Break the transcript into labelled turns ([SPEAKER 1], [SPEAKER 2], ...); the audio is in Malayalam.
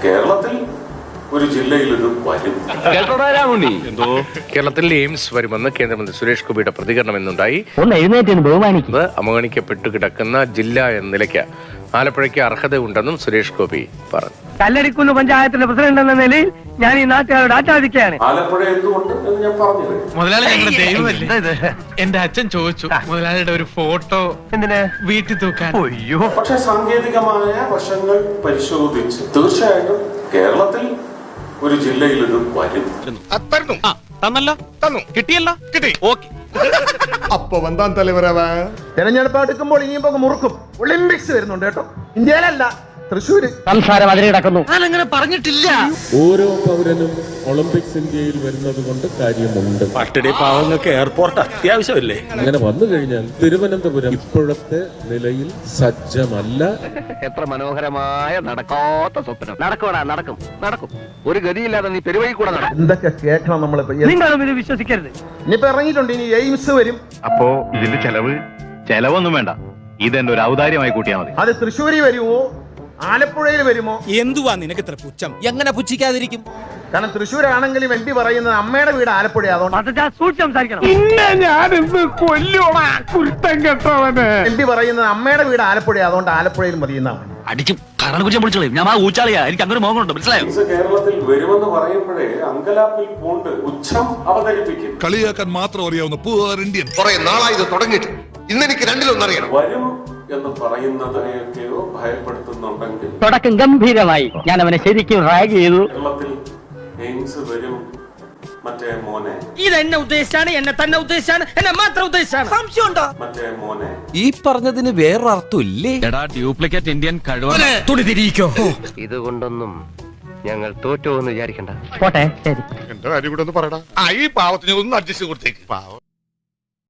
[SPEAKER 1] കേരളത്തിൽ ഒരു ജില്ലയിൽ ഇത് വരും.
[SPEAKER 2] കേരളത്തിൽ എയിംസ് വരുമെന്ന് കേന്ദ്രമന്ത്രി സുരേഷ് ഗോപിയുടെ പ്രതികരണം എന്നുണ്ടായി. അവഗണിക്കപ്പെട്ടു കിടക്കുന്ന ജില്ല എന്ന നിലയ്ക്ക് ആലപ്പുഴയ്ക്ക് അർഹതയുണ്ടെന്നും സുരേഷ് ഗോപി പറഞ്ഞു.
[SPEAKER 3] കല്ലടിക്കുന്ന് പഞ്ചായത്തിന്റെ പ്രസിഡന്റ് എന്ന നിലയിൽ ഞാൻ ഈ നാട്ടുകാരോട് ആചാദിക്കുകയാണ്.
[SPEAKER 1] ആലപ്പുഴ എന്തുകൊണ്ട് എന്ന് ഞാൻ പറഞ്ഞു.
[SPEAKER 4] മുതലാളി ഞങ്ങളുടെ ദൈവമല്ലേ. എന്റെ അച്ഛൻ ചോദിച്ചു മുതലാളിയുടെ ഒരു ഫോട്ടോ എന്തിനാ വീട്ടിൽ തൂക്കാൻ.
[SPEAKER 1] പക്ഷെ സാങ്കേതികമായ വശങ്ങൾ പരിശോധിച്ച് തീർച്ചയായിട്ടും കേരളത്തിൽ ഒരു ജില്ലയിൽ ഇത് വരും.
[SPEAKER 4] തന്നല്ലോ, തന്നു, കിട്ടിയല്ലോ, കിട്ടി. ഓക്കെ,
[SPEAKER 5] അപ്പൊ വന്താൻ തലവരവ തെരഞ്ഞെടുപ്പ് എടുക്കുമ്പോൾ ഇനിയിപ്പോ മുറുക്കും. ഒളിമ്പിക്സ് വരുന്നുണ്ട് കേട്ടോ, ഇന്ത്യയിലല്ല, തൃശ്ശൂര്.
[SPEAKER 3] സംസാരം അതിൽ കിടക്കുന്നു.
[SPEAKER 4] ഞാനങ്ങനെ പറഞ്ഞിട്ടില്ല.
[SPEAKER 6] ഓരോ പൗരനും ഒളിമ്പിക്സ് ഇന്ത്യയിൽ വരുന്നത് കൊണ്ട് കാര്യമുണ്ട്.
[SPEAKER 7] പട്ടിണി പാവങ്ങൾക്ക് എയർപോർട്ട് അത്യാവശ്യമല്ലേ?
[SPEAKER 6] അങ്ങനെ വന്നു കഴിഞ്ഞാൽ തിരുവനന്തപുരം ഇപ്പോഴത്തെ നിലയിൽ സജ്ജമല്ല.
[SPEAKER 3] എത്ര മനോഹരമായ നടക്കാത്ത സ്വപ്നം. നടക്കും. ഒരു ഗതിയില്ലാതെ നീ പെരുവഴി കൂടെ നടക്കും.
[SPEAKER 5] എന്തൊക്കെ കേൾക്കണം നമ്മളിപ്പോ.
[SPEAKER 3] നിങ്ങളും ഇത് വിശ്വസിക്കരുത്.
[SPEAKER 5] ഇനിയിപ്പോ ഇറങ്ങിയിട്ടുണ്ട്, ഇനി എയിംസ് വരും.
[SPEAKER 8] അപ്പോ ഇതിന്റെ ചെലവൊന്നും വേണ്ട, ഇതെന്റെ ഒരു ഔദാര്യമായി കൂട്ടിയാൽ മതി.
[SPEAKER 5] അത് തൃശ്ശൂരിൽ വരുമോ ആലപ്പുഴയിൽ വരുമോ?
[SPEAKER 7] എന്തുവാ നിനക്ക് ഇത്ര പുച്ഛം? എങ്ങനെ പുച്ഛിക്കാതിരിക്കും?
[SPEAKER 5] കാരണം തൃശ്ശൂരാണെങ്കിലും എം പി പറയുന്നത് അമ്മയുടെ വീട് ആലപ്പുഴ, അതുകൊണ്ട്
[SPEAKER 3] സൂക്ഷിച്ച് സംസാരിക്കണം.
[SPEAKER 5] എം പി പറയുന്നത് അമ്മയുടെ വീട് ആലപ്പുഴ, അതുകൊണ്ട് ആലപ്പുഴയിൽ മതി എന്നാണ്.
[SPEAKER 8] അടിച്ചും ഞാൻ ആ ഊച്ചാളിയാ, എനിക്ക് അങ്ങനെ മോഹമുണ്ട്, മനസ്സിലായോ?
[SPEAKER 1] കേരളത്തിൽ വരുമെന്ന് പറയുമ്പോഴേ അങ്കലാപ്പിൽ പൂണ്ട് പുച്ഛം അവതരിപ്പിക്കും.
[SPEAKER 9] കളിയാക്കാൻ മാത്രം അറിയാവുന്ന ഇന്ത്യൻ.
[SPEAKER 10] കുറെ നാളായി ഇത് തുടങ്ങിയിട്ട്. ഇന്നെനിക്ക് രണ്ടിലൊന്നറിയണം.
[SPEAKER 1] വരും എന്ന് പറയുന്നതിനെയൊക്കെയോ ഭയപ്പെടുത്തുന്നുണ്ടെങ്കിൽ
[SPEAKER 3] തുടക്കം ഗംഭീരമായി. ഞാൻ അവനെ ശരിക്കും റാഗ് ചെയ്തു.
[SPEAKER 1] കേരളത്തിൽ എയിംസ് വരും മറ്റേ മോനെ.
[SPEAKER 4] ഇതെന്നെ ഉദ്ദേശിച്ചാണ്, എന്നെ തന്നെ ഉദ്ദേശിച്ചാണ്, എന്നെ മാത്രം ഉദ്ദേശിച്ചാണ്. സംശയമുണ്ടോ?
[SPEAKER 1] മറ്റേ മോനെ.
[SPEAKER 7] ഈ പറഞ്ഞതിന് വേറൊരർത്ഥം ഇല്ലേ?
[SPEAKER 8] ഡ്യൂപ്ലിക്കേറ്റ് ഇന്ത്യൻ കഴിവ്
[SPEAKER 7] തുണി തിരിയിക്കോ.
[SPEAKER 3] ഇതുകൊണ്ടൊന്നും ഞങ്ങൾ തോറ്റോ എന്ന് വിചാരിക്കണ്ട. പോട്ടെ, ശരി.
[SPEAKER 9] എന്റെ കാര്യം കൂടെ ഒന്ന് പറയടാ. ഈ പാവത്തിന് ഒന്ന് അഡ്ജസ്റ്റ് കൊടുത്തേക്ക്. പാവം.